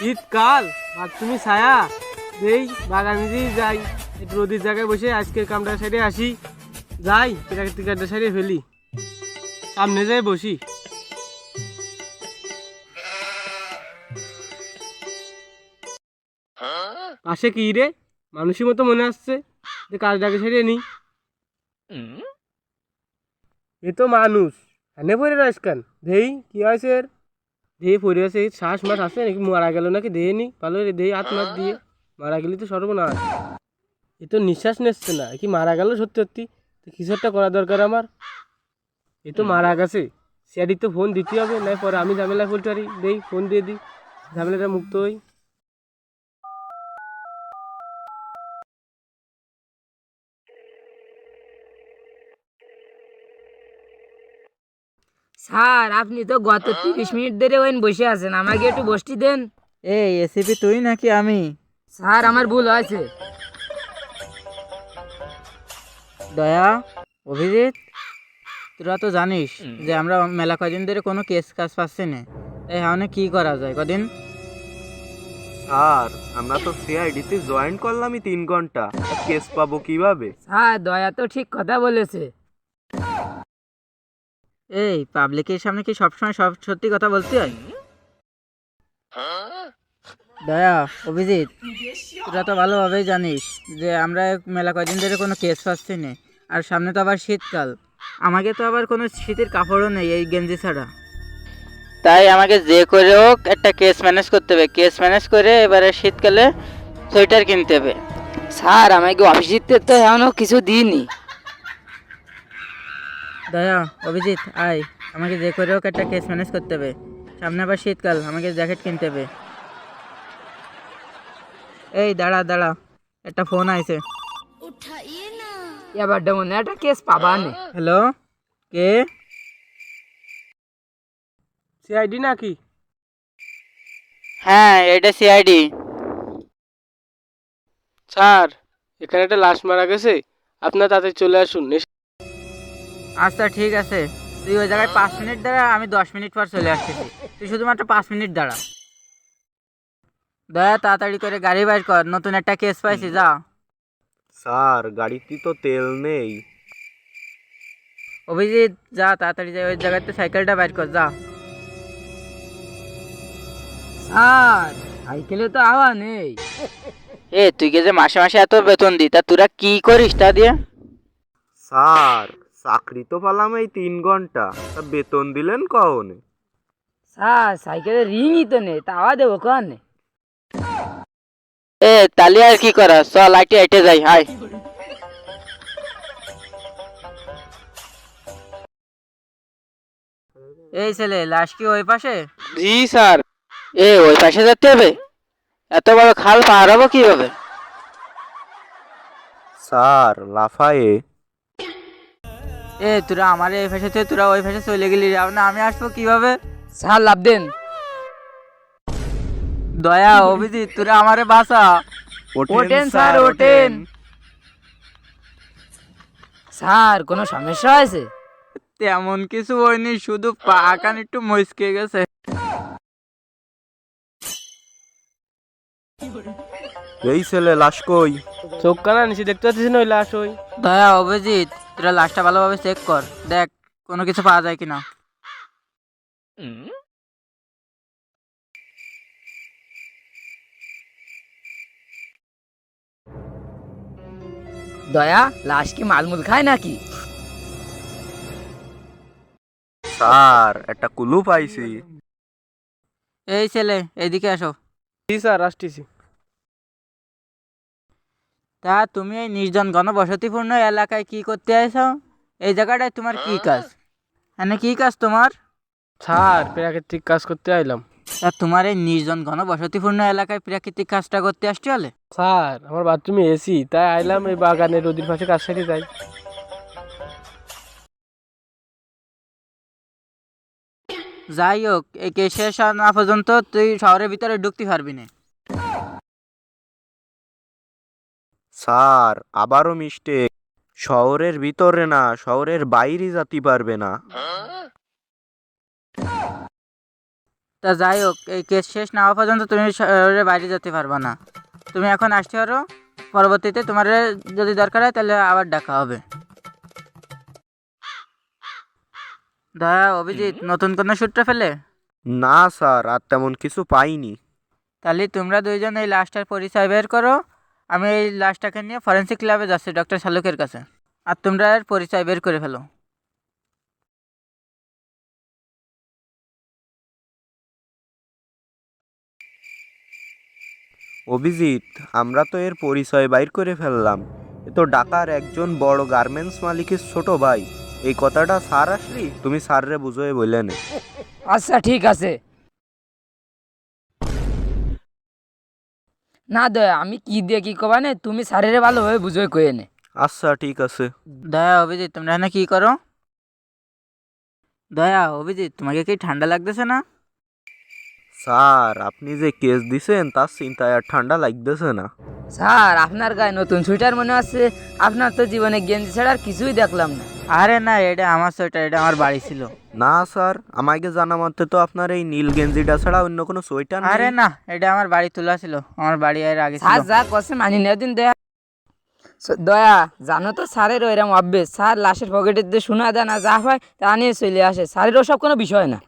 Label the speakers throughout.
Speaker 1: শীতকাল তুমি ছায়া এই বাগানে দিয়ে যাই, একটু রোদের জায়গায় বসে আজকের কামটা সাইডে আসি, যাই প্রাকৃতিক কামটা সাইডে ফেলি, সামনে যাই বসি। পাশে কি রে, মানুষের মতো মনে আসছে যে কাজটাকে সেরে নি। এ তো মানুষ এনে পড়ে রয়েছে কেন? দেই কি হয়েছে এর? দেহে পড়ে আছে, শ্বাস মাস আছে নাকি, মারা গেল নাকি দেহে নি ভালো রে, দেহে হাত মাত দিয়ে মারা গেলে তো সর্বনাশ। এ তো নিঃশ্বাস নিচ্ছে না, কি মারা গেল সত্যি সত্যি? তো কিছু একটা করা দরকার আমার। এ তো মারা গেছে, স্যারি তো ফোন দিতে হবে, না পরে আমি ঝামেলা বলতে পারি। দেই ফোন দিয়ে দিই, ঝামেলাটা মুক্ত হই।
Speaker 2: স্যার আপনি তো গত 30 মিনিট ধরে ওইন বসে আছেন, আমাকে একটু বসতে দেন।
Speaker 3: এই এসিপি তুই নাকি আমি?
Speaker 2: স্যার আমার ভুল হয়েছে।
Speaker 3: দয়া, অভিজিৎ, তোরা তো জানিস যে আমরা মেলা কদিন ধরে কোনো কেস কাজ পাচ্ছি না। এই হাওনে কি করা যায় কদিন?
Speaker 4: স্যার আমরা তো সিআইডিতে জয়েন করলামই 3 ঘন্টা, কেস পাবো কিভাবে?
Speaker 2: স্যার দয়া তো ঠিক কথা বলেছে।
Speaker 3: এই পাবলিকের সামনে কি সবসময় সব সত্যি কথা বলতে হয়? দয়া, অভিজিৎ, তোরা তো ভালোভাবেই জানিস যে আমরা মেলা কদিন ধরে কোনো কেস পাচ্ছি না, আর সামনে তো আবার শীতকাল। আমাকে তো আবার কোনো শীতের কাপড়ও নেই এই গেঞ্জি ছাড়া। তাই আমাকে যে করে হোক একটা কেস ম্যানেজ করতে হবে। কেস ম্যানেজ করে এবারে শীতকালে সোয়েটার কিনতে হবে।
Speaker 2: স্যার আমাকে অফিসিতে তো এখনো কিছু দিইনি।
Speaker 3: দয়া, অভিজিৎ, আয়, আমাকে যে করে হোক একটা কেস ম্যানেজ করতে হবে। সামনে আবার শীতকাল, আমাকে জ্যাকেট কিনতে হবে। এই দাঁড়া দাঁড়া, একটা ফোন আইছে।
Speaker 2: এবার মনে একটা কেস পাবা নে।
Speaker 3: হ্যালো, কে?
Speaker 1: সিআইডি নাকি?
Speaker 3: হ্যাঁ, এটা সিআইডি।
Speaker 1: স্যার এখানে একটা লাশ মারা গেছে, আপনার তাতে চলে আসুন।
Speaker 3: আচ্ছা ঠিক আছে, তুই ওই জায়গায় 5 মিনিট দাঁড়া, আমি 10 মিনিট পর চলে আসতেছি। তুই শুধুমাত্র 5 মিনিট দাঁড়া। দয়া, তাড়াতাড়ি করে গাড়ি বাইর কর, নতুন একটা কেস পাইছি, যা।
Speaker 4: স্যার গাড়িতে তো তেল নেই।
Speaker 3: অভিজিৎ, যা তাড়াতাড়ি যা, ওই জায়গাতে সাইকেলটা বাইর কর, যা।
Speaker 2: স্যার সাইকেলে তো হাওয়া নেই।
Speaker 3: এ তুই কে যে মাসে মাসে এত বেতন দি, তা তোরা কি করিস তা দিয়ে?
Speaker 4: স্যার চাকরি তো পেলাম এই 3 ঘন্টা, তা বেতন দিলেন কখনে?
Speaker 2: স্যার সাইকেলের রিংই তো নেই, তা হাওয়া দেবো কন?
Speaker 3: এ তালি আর কি করা, চল লাইটে হেঁটে যাই, হাই। এই ছেলে, লাশ কি ওই পাশে?
Speaker 1: জি স্যার।
Speaker 3: এ ওই পাশে যেতে হবে? এত বড় খাল পার হবো কিভাবে?
Speaker 4: স্যার লাফায়ে।
Speaker 3: এ তোরা আমার এই পাশে থেকে তোরা ওই পাশে চলে গেলি, না আমি আসবো কিভাবে?
Speaker 2: স্যার লাভ দেন।
Speaker 3: দয়া, অভিজিৎ, তোরা আমারে বাঁচা।
Speaker 2: ওঠেন স্যার ওঠেন। স্যার কোনো সমস্যা হয়েছে?
Speaker 3: তেমন কিছু হয়নি, শুধু পা কান একটু মচকে গেছে।
Speaker 4: এই ছেলে লাশ কই?
Speaker 1: চোখ কানা নিচে দেখতে পাচ্ছিস না ওই লাশ? ওই
Speaker 3: দয়া, অভিজিৎ, তোরা লাশটা ভালোভাবে চেক কর, দেখ কোনো কিছু পাওয়া যায় কিনা।
Speaker 2: দয়া লাশ কি মালমুল খায় নাকি?
Speaker 4: স্যার একটা কুলু পাইছি।
Speaker 3: এই ছেলে, এইদিকে আসো।
Speaker 1: জি স্যার আসতেছি।
Speaker 3: তা তুমি এই নির্জন ঘনবসতিপূর্ণ এলাকায় কি করতে আইছো? এই জায়গাটায় তোমার কি কাজ? এখানে কি কাজ তোমার?
Speaker 1: স্যার প্রাকৃতিক কাজ করতে আইলাম।
Speaker 3: তা তোমার এই নির্জন ঘনবসতিপূর্ণ এলাকায় প্রাকৃতিক কাজটা করতে আসতে হলে?
Speaker 1: স্যার আমার বাথরুমে এসি, তাই আইলাম এই বাগানে নদীর পাশে কাজ সাইডে যাই।
Speaker 3: যাই হোক, এই কেস শেষ না পর্যন্ত তুই শহরের ভিতরে ঢুকতে পারবি না।
Speaker 4: স্যার আবারও মিস্টেক, শহরের ভিতরে না, শহরের বাইরে যেতে পারবে না।
Speaker 3: তা যাই হোক, এই কেস শেষ না হওয়া পর্যন্ত তুমি শহরের বাইরে যেতে পারবা না। তুমি এখন আসতে পারো, পরবর্তীতে তোমার যদি দরকার হয় তাহলে আবার ডাকা হবে। দয়া, অভিজিৎ নতুন কোনো সূত্র ফেলে?
Speaker 4: না স্যার, আর তেমন কিছু পাইনি।
Speaker 3: তাহলে তোমরা দুইজন এই লাশটার পরিচয় বের করো। আমি এই লাশটাকে নিয়ে ফরেন্সিক ল্যাবে যাচ্ছি ডক্টর শালুকের কাছে। আর তোমরা এর পরিচয় বের করে ফেলো।
Speaker 4: অভিজিৎ, আমরা তো এর পরিচয় বাইর করে ফেললাম। এ তো ঢাকার একজন বড় গার্মেন্টস মালিকের ছোট ভাই। এই কথাটা স্যার আসলি তুমি স্যাররে বুঝোয় বললেন।
Speaker 2: আচ্ছা ঠিক আছে। না দয়া, আমি কি দিয়ে কি কবা নে, তুমি স্যারের ভালোভাবে বুঝোই কয়ে নে।
Speaker 4: আচ্ছা ঠিক আছে।
Speaker 3: দয়া, অভিজিৎ তোমরা এখানে কি করো? দয়া, অভিজিৎ তোমাকে কি ঠান্ডা লাগতেছে না?
Speaker 4: স্যার, আপনি যে কেস দিছেন তার চিন্তায় আর ঠান্ডা লাগতেছে না।
Speaker 2: স্যার, আপনার গায়ে নতুন সোয়েটার মনে আছে? আপনার তো জীবনে গেঞ্জি ছাড়া আর কিছুই দেখলাম না।
Speaker 3: আরে না, এটা আমার সোয়েটার, এটা আমার বাড়ি ছিল।
Speaker 4: না স্যার, আমাকে জানা মতে তো আপনার এই নীল গেঞ্জিটা ছাড়া অন্য কোনো সোয়েটার নেই।
Speaker 3: আরে না, এটা আমার বাড়ি তোলা ছিল, আমার বাড়ি এর আগে ছিল।
Speaker 2: স্যার যা কষে মানি নেওয়া দিন দয়া। দয়া, জানো তো স্যারের ওইরকম অভ্যেস, স্যার লাশের পকেটে দিয়ে শোনা দেয় না, যা হয় তা নিয়ে চলে আসে। স্যারের ওসব কোনো বিষয় না।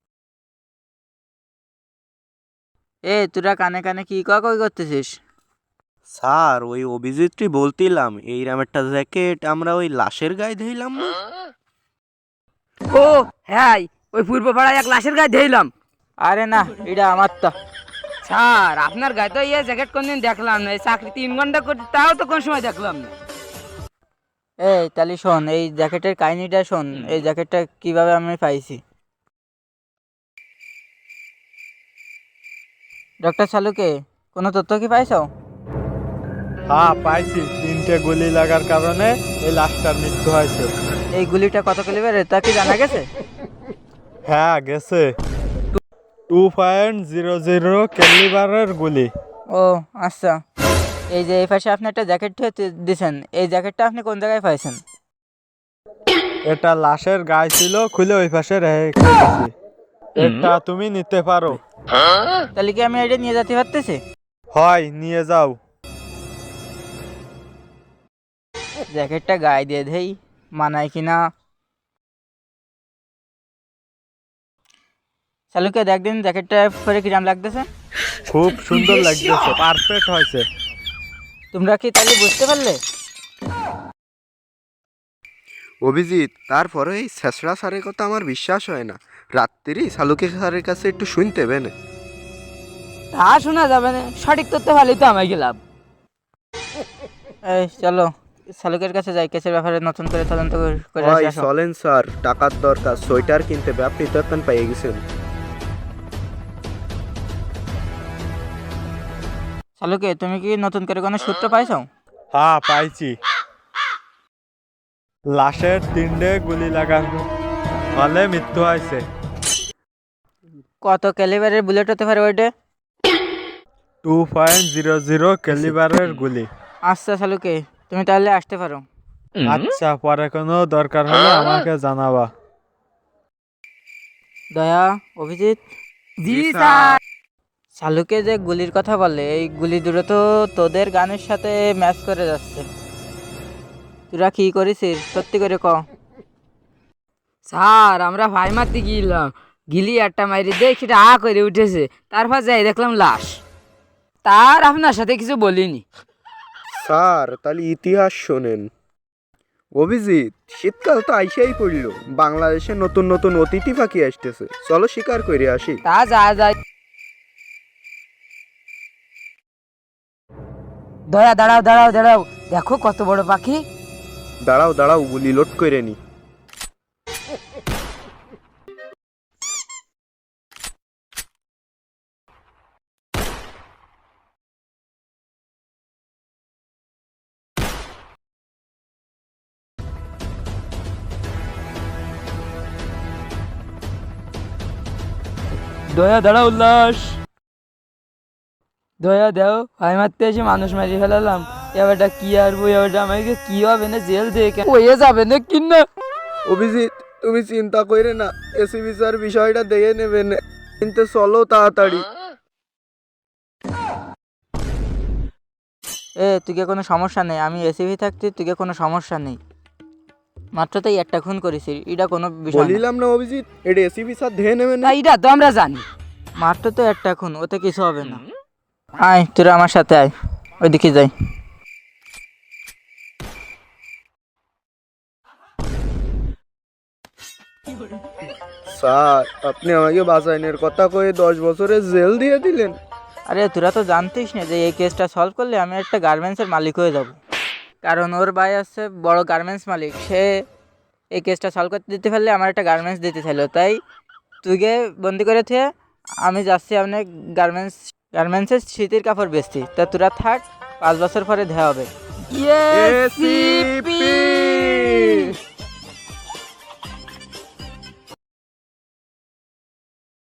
Speaker 3: এ তোরা কানে কানে কি কই করতেছিস?
Speaker 4: স্যার, ওই অভিজিৎটি বলতিলাম এইরকম একটা জ্যাকেট আমরা ওই লাশের গায়ে ধইলাম না।
Speaker 2: ও হ্যাঁ, ওই পূর্ব পাড়ায় এক লাশের গায়ে ধরলাম।
Speaker 3: আরে না, এটা আমার তো।
Speaker 2: স্যার, আপনার গায়ে তো ইয়ে জ্যাকেট কোনদিন দেখলাম না। এই চাকরি 3 ঘন্টা করতে তাও তো কোন সময় দেখলাম না।
Speaker 3: এই তাহলে শোন, এই জ্যাকেটের কাহিনিটা শোন, এই জ্যাকেটটা কিভাবে আমি পাইছি। ডক্টর শালুকে, কোনো তথ্য কি পাইছো?
Speaker 5: হ্যাঁ পাইছি, 3টে গুলি লাগার কারণে এই লাশটার মৃত্যু হয়েছে।
Speaker 3: এই গুলিটা কত ক্যালিবারের তা কি জানা গেছে?
Speaker 5: হ্যাঁ গেছে, 2.00 ক্যালিবারের গুলি।
Speaker 3: ও আচ্ছা। এই যে এই পাশে আপনি একটা জ্যাকেট দিয়েছেন, এই জ্যাকেটটা আপনি কোন জায়গায় পাইছেন?
Speaker 5: এটা লাশের গায়ে ছিল, খুলে ওই পাশে রেখে দিয়েছি। এটা তুমি নিতে পারো।
Speaker 3: তাহলে কি আমি এটা নিয়ে যেতে পারতেছি?
Speaker 5: হয়, নিয়ে যাও।
Speaker 3: জ্যাকেটটা গায়ে দিয়ে দেই, মানায় কিনা। শালুকে দেখ দিন জ্যাকেটটা পরে কিরাম লাগতেছে।
Speaker 5: খুব সুন্দর লাগতেছে, পারফেক্ট হয়েছে।
Speaker 3: তোমরা কি তাহলে বুঝতে পারলে?
Speaker 4: অভিজিৎ, তারপরে এই ছেঁচড়া স্যারের কথা আমার বিশ্বাস হয় না। রাত্রি শালুকে স্যারের কাছে একটু শুনতে বেনে।
Speaker 2: তা শোনা যাবে না, সঠিক তথ্য ভালোই তো আমায় গেলাম।
Speaker 3: এই চলো শালুকের কাছে যাই, কেসের ব্যাপারে নতুন করে তদন্ত করে
Speaker 4: হয়
Speaker 3: আসো।
Speaker 4: চলেন স্যার, টাকার দরকার, সোয়েটার কিনতে হবে, আপনি তো এখন পেয়ে গেছেন।
Speaker 3: শালুকে, তুমি কি নতুন করে কোনো সূত্র পাইছো?
Speaker 5: হ্যাঁ পাইছি, লাশের 3টে গুলি লাগানো ফলে মৃত্যু হয়েছে।
Speaker 3: কত ক্যালিবারের বুলেট হতে পারে ওইটা?
Speaker 5: 2.00 ক্যালিবারের গুলি।
Speaker 3: আচ্ছা শালুকে, তুমি তাহলে আসতে পারো।
Speaker 5: আচ্ছা, পরে কোনো দরকার হলে আমাকে জানাবা।
Speaker 3: দয়া, অভিজিৎ।
Speaker 2: জি স্যার।
Speaker 3: শালুকে যে গুলির কথা বলে, এই গুলি দুটো তো তোদের গানের সাথে ম্যাচ করে যাচ্ছে। তোরা কি করেছিস সত্যি করে ক।
Speaker 2: স্যার, আমরা ভাই মারতে গিয়েছিলাম, গিলি একটা মাইরে দেখি আ করে উঠেছে, তারপর যাই দেখলাম লাশ। তার আপনার সাথে কিছু বলিনি।
Speaker 4: স্যার, তাহলে ইতিহাস শোনেন। অভিজিৎ, শীতকাল তো আইসাই পড়ল, বাংলাদেশে নতুন নতুন অতিথি পাখি আসতেছে, চলো শিকার করে আসি।
Speaker 2: তা যা যায়। দয়া, দাঁড়াও দাঁড়াও দাঁড়াও, দেখো কত বড় পাখি।
Speaker 4: দাঁড়াও দাঁড়াও, গুলি লোড করে নি।
Speaker 2: দয়া, দাঁড়াও, লাশ। দয়া দেও, ভাই মারতে এসে মানুষ মারি ফেলালাম। এবারটা কি আরবো, এবারটা আমাকে কি হবে না, জেল দেখে হয়ে যাবে না কিনা।
Speaker 4: অভিজিৎ, তুমি চিন্তা করে না, এসিবি স্যার বিষয়টা দেখে নেবেন। কিন্তু চলো তাড়াতাড়ি।
Speaker 3: তুই কোনো সমস্যা নেই, আমি এসিভি থাকতে তুই কোনো সমস্যা নেই। মাত্র তাই একটা খুন করেছি, এটা কোনো বিষয় না।
Speaker 4: বলিলাম না অভিজিৎ, এটা এসিপি স্যার ধেয়ে নেবেন।
Speaker 2: তা এটা তো আমরা জানি।
Speaker 3: মাত্র তো একটা খুন, ওতে কিছু হবে না। আয় তোরা আমার সাথে আয়, ওইদিকে যাই।
Speaker 4: স্যার আপনি আমাকে বাঁচাইনের কথা কয়ে 10 বছরের জেল দিয়ে দিলেন।
Speaker 3: আরে তোরা তো জানতিস না যে এই কেসটা সলভ করলে আমি একটা গার্মেন্টসের মালিক হয়ে যাব। কারণ ওর ভাই আছে বড় গার্মেন্টস মালিক, সে এই কেসটা সলভ করতে দিতে পারলে আমার একটা গার্মেন্টস দিতে চাইলো, তাই তুইকে বন্দি করে থেকে আমি যাচ্ছি আপনার গার্মেন্টসের শীতের কাপড় বেচছি। তা তোরা থাক, 5 বছর পরে দেওয়া হবে।
Speaker 4: এসিপি